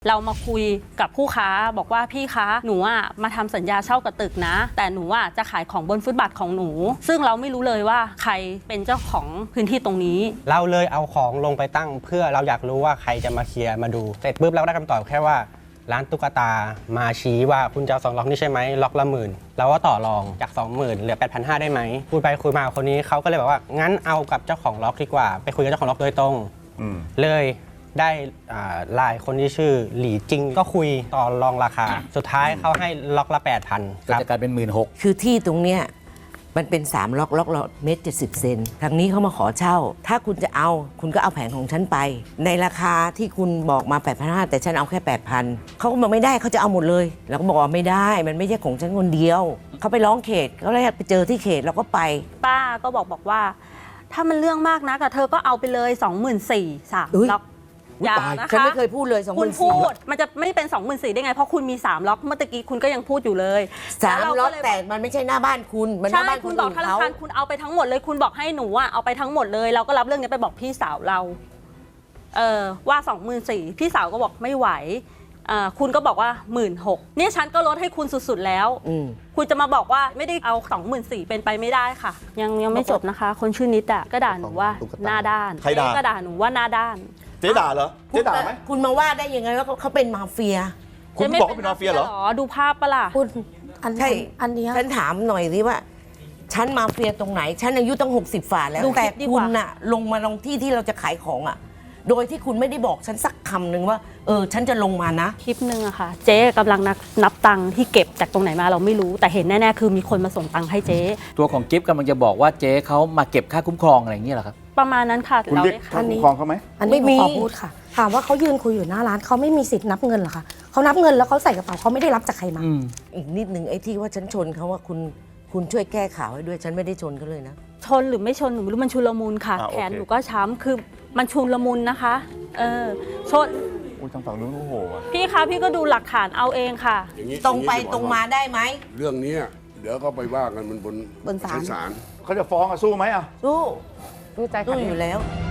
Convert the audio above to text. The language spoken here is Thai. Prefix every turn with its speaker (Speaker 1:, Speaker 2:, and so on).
Speaker 1: เรามาคุยกับผู้ค้าบอกว่าพี่คะหนูมาทำสัญญาเช่ากับตึกนะแต่หนูจะขายของบนฟุตบาทของหนูซึ่งเราไม่รู้เลยว่าใครเป็นเจ้าของพื้นที่ตรงนี้
Speaker 2: เราเลยเอาของลงไปตั้งเพื่อเราอยากรู้ว่าใครจะมาเคลียร์มาดูเสร็จปุ๊บเราได้คำตอบแค่ว่าร้านตุ๊กตามาชี้ว่าคุณจะเอา2 ล็อกนี่ใช่ไหมล็อกละ10,000เราก็ต่อรองจาก 20,000 เหลือ 8,500 ได้ไหมคุยไปคุยมาคนนี้เขาก็เลยบอกว่างั้นเอากับเจ้าของล็อกดีกว่าไปคุยกับเจ้าของล็อกโดยตรงเลยได้ไลน์คนที่ชื่อหลี่จิงก็คุยต่อรองราคาสุดท้ายเขาให้ล็อกละ 8,000
Speaker 3: ก็จะกลายเป็น 16,000
Speaker 4: คือที่ตรงเนี้ยมันเป็น3 ล็อกละ1.70 เมตรทางนี้เขามาขอเช่าถ้าคุณจะเอาคุณก็เอาแผงของฉันไปในราคาที่คุณบอกมา 8,500 แต่ฉันเอาแค่ 8,000เขาก็บอกไม่ได้เขาจะเอาหมดเลยเราก็บอกว่าไม่ได้มันไม่ใช่ของฉันคนเดียวเขาไปร้องเขตเขาเลยไปเจอที่เขตเราก็ไป
Speaker 1: ป้าก็บอกว่าถ้ามันเรื่องมากนะกับเธอก็เอาไปเลย 24,000 3 ล็อกอย่านะคะ
Speaker 4: ฉันไม่เคยพูดเลย
Speaker 1: คุณพูดมันจะไม่เป็น 24,000 ได้ไงเพราะคุณมี3 ล็อกเมื่อกี้คุณก็ยังพูดอยู่เลย
Speaker 4: 3 ล็อกแต่มันไม่ใช่หน้าบ้านคุณมันหน้าบ้าน
Speaker 1: คุณบอกธนาคารคุณเอาไปทั้งหมดเลยคุณบอกให้หนูเอาไปทั้งหมดเลยเราก็รับเรื่องนี้ไปบอกพี่สาวเราว่า 24,000 พี่สาวก็บอกไม่ไหวคุณก็บอกว่า 16,000 เนี่ยฉันก็ลดให้คุณสุดๆแล้วคุณจะมาบอกว่าไม่ได้เอา 24,000 เป็นไปไม่ได้ค่ะยังไม่จบนะคะคนชื่อนิดก็ด่าหนูว่าหน้าด้าน
Speaker 5: ใครด่า
Speaker 1: ก็ด่าหนูว่าหน้าด้าน
Speaker 5: เจ๊ด่าเหรอเจ๊ด่าไหม
Speaker 4: คุณมาว่าได้ยังไงว่าเขาเป็นมาเฟีย
Speaker 5: คุณบอกว่าเป็นมาเฟียเหรอ
Speaker 1: ดูภาพปะล่ะ
Speaker 4: คุณใช่อันนี้ฉันถามหน่อยสิว่าฉันมาเฟียตรงไหนฉันอายุตั้ง60 ฝ่าแล้วแต่คุณน่ะลงมาลงที่ที่เราจะขายของโดยที่คุณไม่ได้บอกฉันสักคำหนึ่งว่าฉันจะลงมานะ
Speaker 1: คลิปนึงอะค่ะเจ๊กำลังนับตังค์ที่เก็บจากตรงไหนมาเราไม่รู้แต่เห็นแน่ๆคือมีคนมาส่งตังค์ให้เจ๊
Speaker 3: ตัวของกิฟต์กำลังจะบอกว่าเจ๊เขามาเก็บค่าคุ้มครองอะไรอย่างนี้เหรอครับ
Speaker 1: ประมาณนั้นค่ะ
Speaker 5: คุณเรียกค่าคุ้มครองเขาไหม
Speaker 6: อันนี้ขอพูดค่ะถามว่าเขายืนคุยอยู่หน้าร้านเขาไม่มีสิทธิ์นับเงินหรอคะเขานับเงินแล้วเขาใส่กระเป๋าเขาไม่ได้รับจากใครมา
Speaker 4: อีกนิดนึงไอ้ที่ว่าฉันชนเขาว่าคุณช่วยแก้ข่าวให้ด้วยฉันไม่ได้ชนเขาเลยนะ
Speaker 1: ชนหรือไม่ชนหนูไม่รู้มันชุลมุนค่ะแขนหนูก็ช้ำคือมันชุลมุนนะคะชน
Speaker 5: ทางฝั่งนู้นโอ้โห
Speaker 1: พี่คะพี่ก็ดูหลักฐานเอาเองค่ะ
Speaker 4: ตรงไปตรงมาได้ไหม
Speaker 7: เรื่องนี้เดี๋ยวก็ไปว่ากันมันบน
Speaker 6: ศาล
Speaker 7: ศาล
Speaker 5: เขาจะฟ้องสู้ไหม
Speaker 4: สู้ใจอยู่แล้ว